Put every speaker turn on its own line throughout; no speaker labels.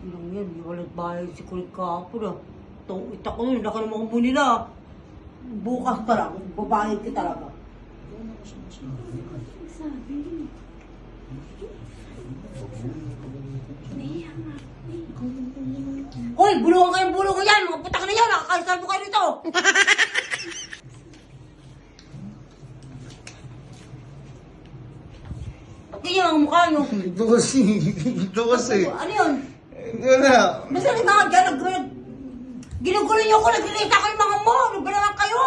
Ilang yan, di walang bahay si Kulit Kapon ah. Itong itak ko nun, laki naman kung nila. Bukas ka lang, babayad ka talaga.
Sabi. Nahiya nga.
Hoy, bulungan kayong bulungan yan! Mga putak na yan! Nakakaisalbo kayo dito! Ganyan ang mukha nyo.
Ito kasi. Ito kasi.
Ano yun?
Wala.
Basta ginugulo niyo ko, nagkilita ko yung mga mo! Ano ba naman kayo?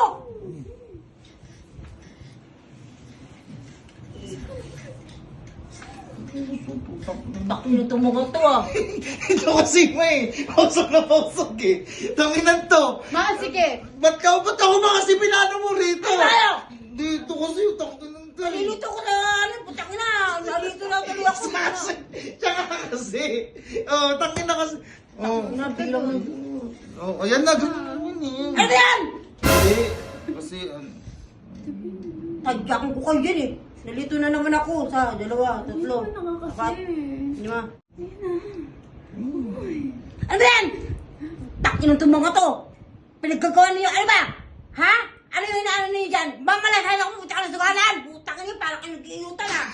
Taki na itong mga to ah.
Ito kasi may. Pausok na pausok eh. Tanginan to.
Ma, sige.
Ba't ako ba kasi pinano mo rito?
Ay, tayo!
Dito kasi yung tanginan to.
Nalilito ko na, ano, putak na. Nalilito na tuloy ako.
Tsaka kasi. Oh, tangina kasi. Oh.
Nabilang ng...
Oh, ayan na. Ganun yun eh.
Ano yan?
Hindi. Kasi,
Tadyakin ko kayo dyan eh. Nalito na naman ako sa dalawa, tatlo,
Hindi ka na
apat,
kasi.
5.
Ayun
Ano ba yan? Takin ng mga to. Pinagkagawa niyo, ano ba? Ha? Ano yung inaano niyo dyan? Mamalasahin ako, puta ka na sugalan. Puta ka niyo, parang kayo nag-iutan ah.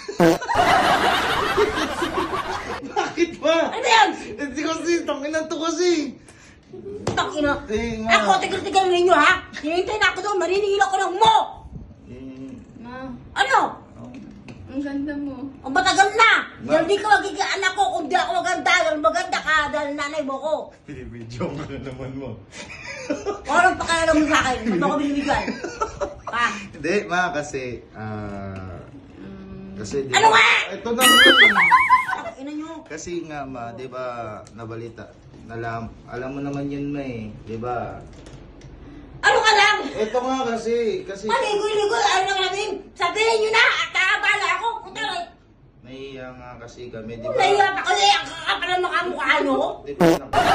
bakit ba?
Ano ba yan?
Hindi kasi, tanginan to kasi.
Takin na.
Eh, nga.
Ako, tigal-tigal ninyo ha? Hinihintay na ako doon, maniningil ako ng mo.
Ma,
Ano?
ang ganda mo.
Ang matagal na! Yan di ka magiging anak ko kung di ako maganda. Dahil maganda ka dahil nanay mo ko.
Binibidyo ka na naman mo.
Walang pakialam mo sa akin. Ba't ako binibigyan? Ha?
Hindi, ma, kasi, kasi, di
Ano
ba-
nga?
Ito na yun.
Ina nyo.
Kasi nga, ma, di ba, nabalita, alam mo naman yun, ma eh, di ba?
Ano ka lang?
Ito nga kasi,
Maligoy-ligoy. Ano lang namin? Sabihin nyo na at kakabala ako. Punta rin.
nahiya nga kasi kami, di
Kung
ba?
nahiya pa kasi ang kakapal ng mga mukha nyo.
Di ba,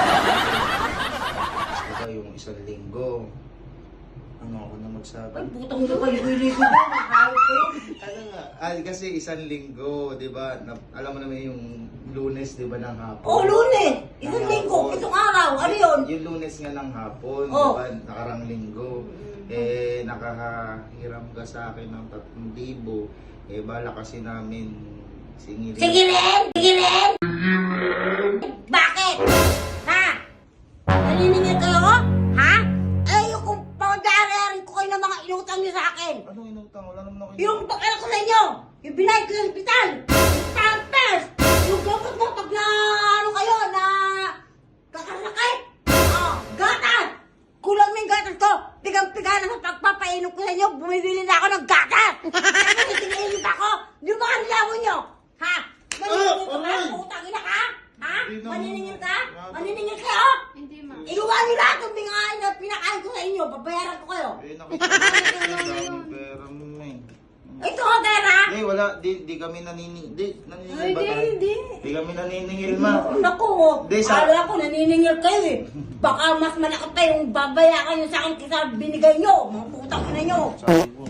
di ba yung isang linggo, ano ako na magsabi?
Ay, putang nyo kayo. Ligoy-ligoy. Nakakawit ko yun.
Ano nga, kasi isang linggo, di ba? Alam mo naman yung Lunes, di ba, ng hapon?
Oh, Lunes. Isang linggo. Itong araw. Ano yun?
Yung Lunes nga ng hapon,
Oh.
di ba? Nakarang linggo. Eh, nakahiram ka sa akin ng 3,000. Eh, bala kasi namin singilin.
Sige rin! Sige rin! Bakit? Ha? Naniningil kayo? Ha? Eh, yung pagdararin ko kayo ng mga inutang niyo sa akin.
Anong inutang? Wala naman ako
Yung pakala ko sa inyo. Yung binayad ko yung hospital. Yung pampers. Yung gamot mo pag na ano kayo na kakasakit. Oh, gatas. Kulang na yung gatas ko. Pigang-piga na sa pagpapainom ko sa inyo. Bumibili na ako ng gatas. Tapos itinigil niyo pa ako. Yung mga nilawon niyo. Ha? Maniningil ka ba? Utang ina ka? Ha?
Hindi naman.
Maniningil ka? Maniningil kayo?
Hindi, ma.
Iluwa niyo lahat yung pinakain na pinakain ko sa inyo. Babayaran ko kayo.
Eh, nakita ko yung pera mo eh.
Ito ko pera.
Eh, wala. Di kami naniningil. Naniningil
Ay,
ba tayo?
hindi.
Di kami naniningil, ma.
Naku,
Di, sa-
akala ko naniningil kayo eh. Baka mas malaki pa yung babayaran nyo sa akin kaysa binigay nyo. Mga putang ina nyo.
Sabi ko.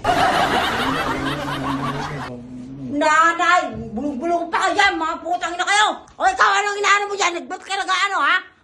Nanay, bulong-bulong pa kayo dyan, mga putang ina kayo. O ikaw, anong inaano mo dyan? Ba't ka nag-ano ha?